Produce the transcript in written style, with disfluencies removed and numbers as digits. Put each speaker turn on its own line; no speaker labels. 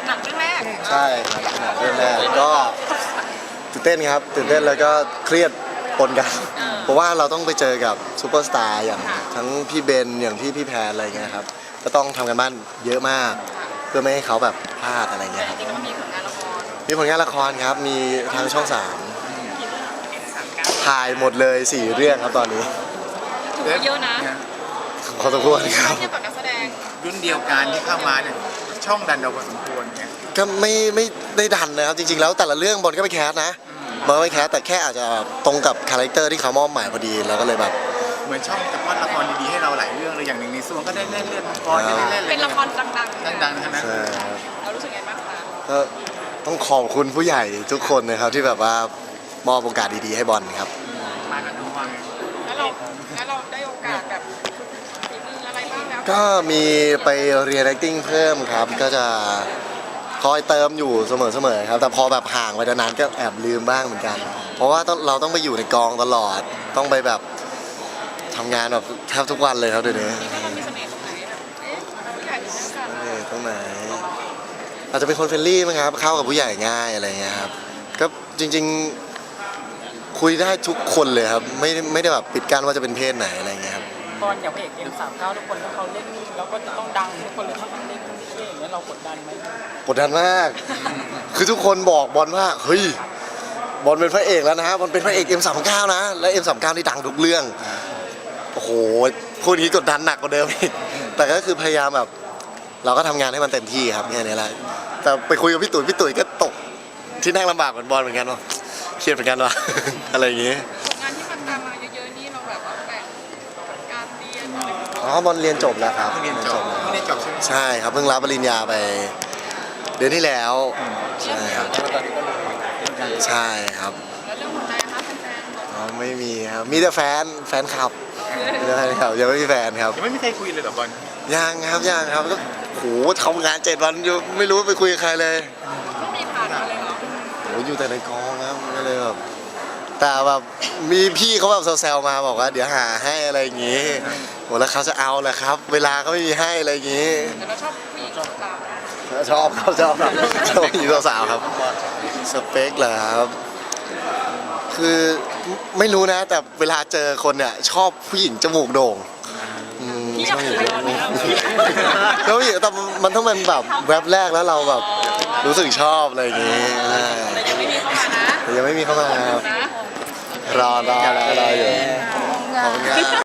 หนังเรื่องแรก
ใช่ครับหนังเรื่องแรกก็ตื่นเต้นครับตื่นเต้นแล้วก็เครียดปนกัน เพราะว่าเราต้องไปเจอกับซูเปอร์สตาร์อย่างทั้งพี่เบนอย่างที่พี่แพนอะไรเงี้ยครับก็ต้องทำกันบ้านเยอะมากเพื่อไม่ให้เขาแบบพลาดอะไรเงี้ยครับ
จริงๆมันมีผลงานละคร
มีผลงานละครครับมีทางช่อง 3ถ่ายหมดเลย4 เรื่องครับตอนนี้
ถือว่าเยอะนะ
พอสมควรครับ
เทียบกับนักแสดง
รุ่นเดียวกันที่เข้ามาเนี่ยช่องดันเราพอสมควรเนี่ย
ก็ไม่ได้ดันนะครับจริงๆแล้วแต่ละเรื่องบอลก็ไปแคสนะบอลก็ไปแคสแต่แค่อาจจะตรงกับคาแรคเตอร์ที่เขามอบหมายพอดีแล้วก็เลยแบบ
เหมือนช่องจะป้อนละครดีๆให้เราหลายเรื่องเลยอย่างหนึ่งในส่วนก็ได้เล่นเรื่องมังกรจะได้เล่น
เป็นละครดังๆ
ดังๆทั้งนั้น
ใช่ครับ
เรารู้สึกไงบ้างคะ
ก็ต้องขอบคุณผู้ใหญ่ทุกคนนะครับที่แบบว่ามอบโอกาสดีๆให้บอลครับ
มากันทุกวัน
แล้วเราได้โอกาสแบบฝีมืออะไรบ้างแล้ว
ก็มีไปเรียน acting เพิ่มครับก็จะคอยเติมอยู่เสมอๆครับแต่พอแบบห่างไปนานๆก็แอบลืมบ้างเหมือนกัน เพราะว่าเราต้องไปอยู่ในกองตลอดต้องไปแบบทำงานแบบแทบทุกวันเลยครับเดี๋ยวนี้
นี่ก็เรามีเสน่ห์ตรงไหนแบบผู้ใหญ่ถึงได้กัน
ตรงไหนอาจจะเป็นคนเฟรนลี่มั้งครับเข้ากับผู้ใหญ่ง่ายอะไรเงี้ยครับก็จริงๆคุยได้ทุกคนเลยครับไม่ได้แบบปิดกั้นว่าจะเป็นเพศไหนอะไรเงี้ยครับ
ตอนอย่างพระเอกM39ทุกคนถ้าเขาเล่นแล้วก็จะต้องดังทุกคนเลยถ้าเขาเล่นเท่ๆอย่างเงี้ยเรากดดันไหม
กดดันมาก คือทุกคนบอกบอลว่าเฮ้ยบอลเป็นพระเอกแล้วนะบอลเป็นพระเอก M39 นะและ M39 นี่ดังทุกเรื่องโอ้โหพูดอย่างนี้กดดันหนักกว่าเดิมอีกแต่ก็คือพยายามแบบเราก็ทำงานให้มันเต็มที่ครับแค่นี้แหละแต่ไปคุยกับพี่ตุ๋ยก็ตกที่นั่งลำบากเหมือนบอลเหมือนกันว่าเครียดเหมือนกันว่ะ อะไรอย่างงี้
ผลงานที่มันตามมาเยอะๆนี่เราแบบว่าแบ่งการเรียนอะไรอย่างเงี้ย
อ๋อบอลเรียนจบแล้วครับ
เรียนจบ
แล้ว
ไม่ได้จบใช่ไหม
ใช่ครับเพิ่งรับปริญญาไปเดือนที่แล้วใช่ครับใช่ครับ
แล้วเรื่องหัวใจนะคะแฟนๆบอก
อ๋อไม่มีครับมีแต่แฟนคลับมีแต่แฟนคลับยังไม่มีแฟนครับ
ยังไม่มีใครคุยเลยเหรอบอล
ยังครับก็โหทำงาน7 วันอยู่ไม่รู้ไปคุยกับใครเลย
ไม่มีผ่านมาเลยเหรอ
โหอยู่แต่ในกองครับก็เลยแบบแต่แบบมีพี่เขาแบบแซวๆมาบอกว่าเดี๋ยวหาให้อะไรอย่างงี้โหแล้วเขาจะเอาแหละครับ เวลาก็ไม่มีให้อะไรอย่างงี้
แต่เราชอบผู้หญิงสาว
ชอบผู้หญิงสาวๆครับสเปคเหรอครับคือไม่รู้นะ แต่เวลาเจอคนเนี่ยชอบผู้หญิงจมูกโด่งชอบผู้หญิงจมูกแล้วผู้หญิงแต่มันต้องเป็นแบบแวบแรกแล้วเราแบบรู้สึกชอบอะไรอย่างงี้
แต่ยังไม่มีเข้ามานะ
แต่ยังไม่มีเข้ามาครับ
นะ
รออยู่ขอบคุณครับ